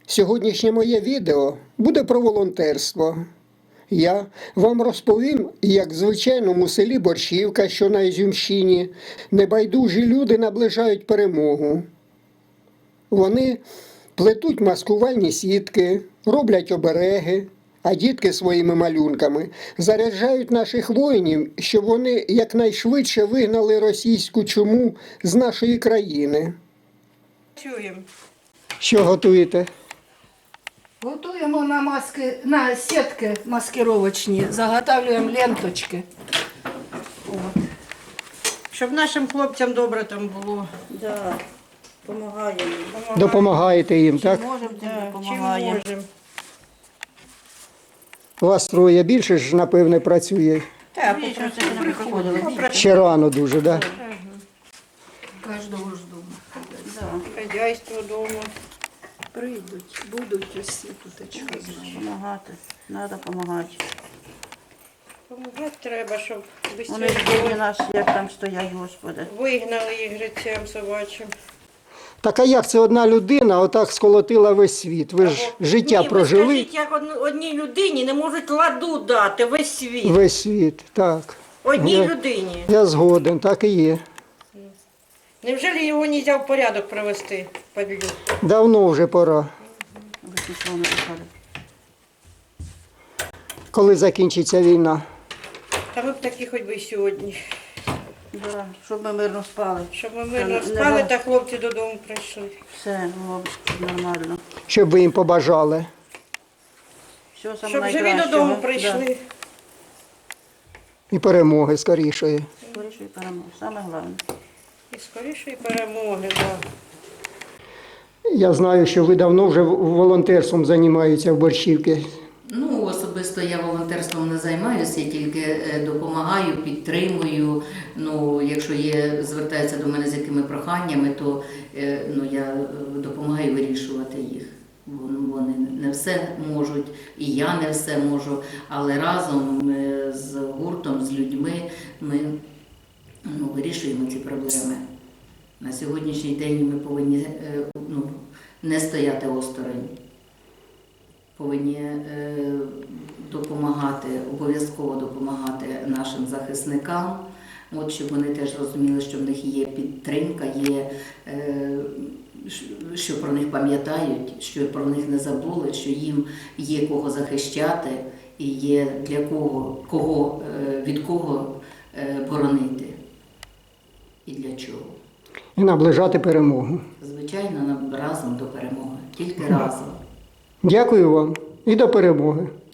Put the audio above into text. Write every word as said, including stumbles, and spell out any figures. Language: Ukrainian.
Сьогоднішнє моє відео буде про волонтерство. Я вам розповім, як в звичайному селі Борщівка, що на Ізюмщині, небайдужі люди наближають перемогу. Вони плетуть маскувальні сітки, роблять обереги, а дітки своїми малюнками заряджають наших воїнів, щоб вони якнайшвидше вигнали російську чуму з нашої країни. Чуємо. Що готуєте? Готуємо на маски, на сітки маскировочні, заготовлюємо ленточки. От. Щоб нашим хлопцям добре там було. Да, допомагаємо. Допомагаєте їм, так? Можемо, Да, чим допомагаємо. можемо. Вас троє, більше ж, напевне, працює. Так, Більше це не приходили. Ще рано дуже, так? Да? Кожного ж дома. Да, хазяйство вдома. Прийдуть, будуть усі тут, а чого знаю. допомагати. Треба допомагати. Помагати треба, щоб Вони швидше бідні нас, як там стоять, Господи. вигнали їх грицям собачим. Так а як це одна людина отак сколотила весь світ? Ви ж життя Ні, прожили, ви скажіть, як одну- одній людині не можуть ладу дати весь світ. весь світ, так. Одній Я- людині. Я згоден, так і є. Невже його не можна в порядок привести? Падлю? Давно вже пора. Ви нічого не писали. Коли закінчиться війна? Та ми б такі хоч би й сьогодні. Да, щоб ми мирно спали. Щоб ми Та мирно не спали ва- та хлопці додому прийшли. Все було б нормально. Щоб ви їм побажали. Все саме Щоб живі найкращого. додому прийшли. І перемоги скорішої. Да. Скоріше і перемога. Саме головне. І скорішої перемоги. Да. Я знаю, що ви давно вже волонтерством займаєтеся в Борщівці. Ну, особисто я волонтерством не займаюся, я тільки е, допомагаю, підтримую. Ну, якщо є, звертаються до мене з якими проханнями, то е, ну, я е, допомагаю вирішувати їх. Вон- Вони не все можуть, і я не все можу, але разом е, з гуртом, з людьми ми ну, вирішуємо ці проблеми. На сьогоднішній день ми повинні е, ну, не стояти осторонь. Повинні е, допомагати, обов'язково допомагати нашим захисникам, от, щоб вони теж розуміли, що в них є підтримка, є, е, щ- що про них пам'ятають, що про них не забули, що їм є кого захищати і є для кого, кого е, від кого е, боронити і для чого. І наближати перемогу. Звичайно, нам разом до перемоги, тільки разом. Дякую вам і до перемоги.